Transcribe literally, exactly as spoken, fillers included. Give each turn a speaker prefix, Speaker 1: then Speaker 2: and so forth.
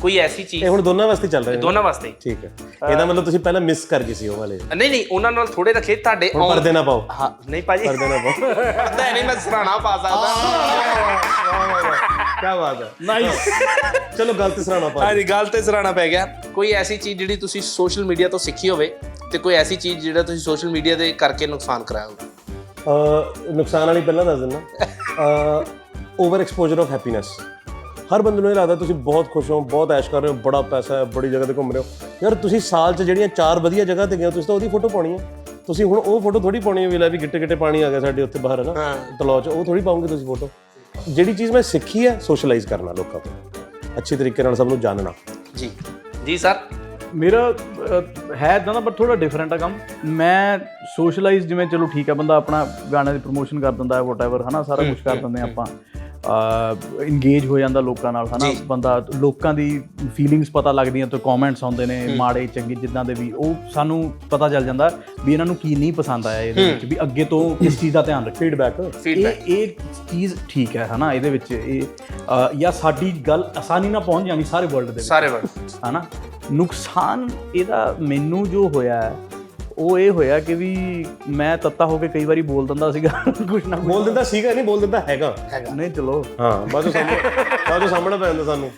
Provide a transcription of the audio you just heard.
Speaker 1: ਕੋਈ ਐਸੀ ਚੀਜ਼
Speaker 2: ਇਹ ਹੁਣ ਦੋਨਾਂ ਵਾਸਤੇ ਚੱਲ ਰਿਹਾ
Speaker 1: ਦੋਨਾਂ ਵਾਸਤੇ ਹੀ।
Speaker 2: ਠੀਕ ਹੈ, ਇਹਦਾ ਮਤਲਬ ਤੁਸੀਂ ਪਹਿਲਾਂ ਮਿਸ ਕਰ ਗਏ ਸੀ ਉਹ ਵਾਲੇ।
Speaker 1: ਨਹੀਂ ਨਹੀਂ ਉਹਨਾਂ ਨਾਲ ਥੋੜੇ ਰੱਖੇ ਤੁਹਾਡੇ
Speaker 2: ਹੁਣ ਪਰਦੇ ਨਾ ਪਾਓ।
Speaker 1: ਹਾਂ ਨਹੀਂ ਭਾਜੀ
Speaker 2: ਪਰਦੇ ਨਾ ਪਾਓ।
Speaker 1: ਪਰਦਾ ਨਹੀਂ ਮੈਂ ਸਰਾਣਾ ਪਾ ਸਕਦਾ।
Speaker 2: ਕੀ ਬਾਤ ਹੈ, ਨਾਈਸ। ਚਲੋ ਗੱਲ ਤੇ ਸਰਾਣਾ ਪਾ।
Speaker 1: ਹਾਂਜੀ ਗੱਲ ਤੇ ਸਰਾਣਾ ਪੈ ਗਿਆ। ਕੋਈ ਐਸੀ ਚੀਜ਼ ਜਿਹੜੀ ਤੁਸੀਂ ਸੋਸ਼ਲ ਮੀਡੀਆ ਤੋਂ ਸਿੱਖੀ ਹੋਵੇ ਤੇ ਕੋਈ ਐਸੀ ਚੀਜ਼ ਜਿਹੜਾ ਤੁਸੀਂ ਸੋਸ਼ਲ ਮੀਡੀਆ ਦੇ ਕਰਕੇ ਨੁਕਸਾਨ ਕਰਾਇਆ ਹੋਵੇ।
Speaker 2: ਨੁਕਸਾਨ ਵਾਲੀ ਪਹਿਲਾਂ ਦੱਸ ਦਿੰਦਾ। Over exposure of happiness. ਹਰ ਬੰਦੇ ਨੂੰ ਇਹ ਲੱਗਦਾ ਤੁਸੀਂ ਬਹੁਤ ਖੁਸ਼ ਹੋ, ਬਹੁਤ ਐਸ਼ ਕਰ ਰਹੇ ਹੋ, ਬੜਾ ਪੈਸਾ ਹੈ, ਬੜੀ ਜਗ੍ਹਾ ਤੇ ਘੁੰਮ ਰਹੇ ਹੋ। ਯਾਰ ਤੁਸੀਂ ਸਾਲ 'ਚ ਜਿਹੜੀਆਂ ਚਾਰ ਵਧੀਆ ਜਗ੍ਹਾ ਤੇ ਗਏ ਹੋ ਤੁਸੀਂ ਤਾਂ ਉਹਦੀ ਫੋਟੋ ਪਾਉਣੀ ਹੈ। ਤੁਸੀਂ ਹੁਣ ਉਹ ਫੋਟੋ ਥੋੜੀ ਪਾਉਣੀ ਹੈ ਵੀ ਲੈ ਵੀ ਗਿੱਟੇ ਗਿੱਟੇ ਪਾਣੀ ਆ ਗਿਆ ਸਾਡੇ ਉੱਥੇ ਬਾਹਰ ਹੈ ਨਾ ਤਲਾਅ 'ਚ, ਉਹ ਥੋੜੀ ਪਾਉਂਗੇ ਤੁਸੀਂ ਫੋਟੋ। ਜਿਹੜੀ ਚੀਜ਼ ਮੈਂ ਸਿੱਖੀ ਹੈ ਸੋਸ਼ਲਾਈਜ਼ ਕਰਨਾ ਲੋਕਾਂ ਤੋਂ, ਅੱਛੇ ਤਰੀਕੇ ਨਾਲ ਸਭ ਨੂੰ ਜਾਣਨਾ।
Speaker 1: ਜੀ ਜੀ ਸਰ।
Speaker 3: ਮੇਰਾ ਹੈ ਇੱਦਾਂ ਦਾ ਪਰ ਥੋੜਾ ਡਿਫਰੈਂਟ ਆ ਕੰਮ। ਮੈਂ ਸੋਸ਼ਲਾਈਜ਼ ਜਿਵੇਂ ਚਲੋ ਠੀਕ ਹੈ ਬੰਦਾ ਆਪਣਾ ਗਾਣੇ ਦੀ ਪ੍ਰਮੋਸ਼ਨ ਕਰ ਦਿੰਦਾ ਹੈ ਵਟਐਵਰ ਹੈ ਨਾ, ਸਾਰਾ ਕੁਝ ਕਰ ਦਿੰਦੇ ਆਪਾਂ, ਇੰਗੇਜ ਹੋ ਜਾਂਦਾ ਲੋਕਾਂ ਨਾਲ ਹੈ ਨਾ ਬੰਦਾ, ਲੋਕਾਂ ਦੀ ਫੀਲਿੰਗਸ ਪਤਾ ਲੱਗਦੀਆਂ ਤੇ ਕਮੈਂਟਸ ਆਉਂਦੇ ਨੇ ਮਾੜੇ ਚੰਗੇ ਜਿੱਦਾਂ ਦੇ ਵੀ, ਉਹ ਸਾਨੂੰ ਪਤਾ ਚੱਲ ਜਾਂਦਾ ਵੀ ਇਹਨਾਂ ਨੂੰ ਕੀ ਨਹੀਂ ਪਸੰਦ ਆਇਆ ਇਹਦੇ ਵਿੱਚ, ਵੀ ਅੱਗੇ ਤੋਂ ਕਿਸ ਚੀਜ਼ ਦਾ ਧਿਆਨ ਰੱਖੇ।
Speaker 2: ਫੀਡਬੈਕ
Speaker 3: ਇਹ ਇਹ ਚੀਜ਼ ਠੀਕ ਹੈ ਹੈ ਨਾ, ਇਹਦੇ ਵਿੱਚ ਇਹ ਜਾਂ ਸਾਡੀ ਗੱਲ ਆਸਾਨੀ ਨਾਲ ਪਹੁੰਚ ਜਾਣੀ ਸਾਰੇ ਵਰਲਡ ਦੇ
Speaker 1: ਸਾਰੇ ਵਰਲਡ
Speaker 3: ਹੈ ਨਾ। ਨੁਕਸਾਨ ਇਹਦਾ ਮੈਨੂੰ ਜੋ ਹੋਇਆ ਉਹ ਇਹ ਹੋਇਆ ਕਿ ਵੀ ਮੈਂ ਤੱਤਾ ਹੋ ਕੇ ਕਈ ਵਾਰੀ ਬੋਲ ਦਿੰਦਾ ਸੀਗਾ ਕੁਛ ਨਾ
Speaker 2: ਬੋਲ ਦਿੰਦਾ ਸੀਗਾ, ਨਹੀਂ ਬੋਲ ਦਿੰਦਾ ਹੈਗਾ।
Speaker 3: ਨਹੀਂ ਚਲੋ
Speaker 2: ਹਾਂ ਬਾਅਦ ਚੋਂ ਸਾਹਮਣੇ ਬਾਅਦ ਚੋਂ ਸਾਹਮਣੇ ਪੈ ਜਾਂਦਾ ਸਾਨੂੰ।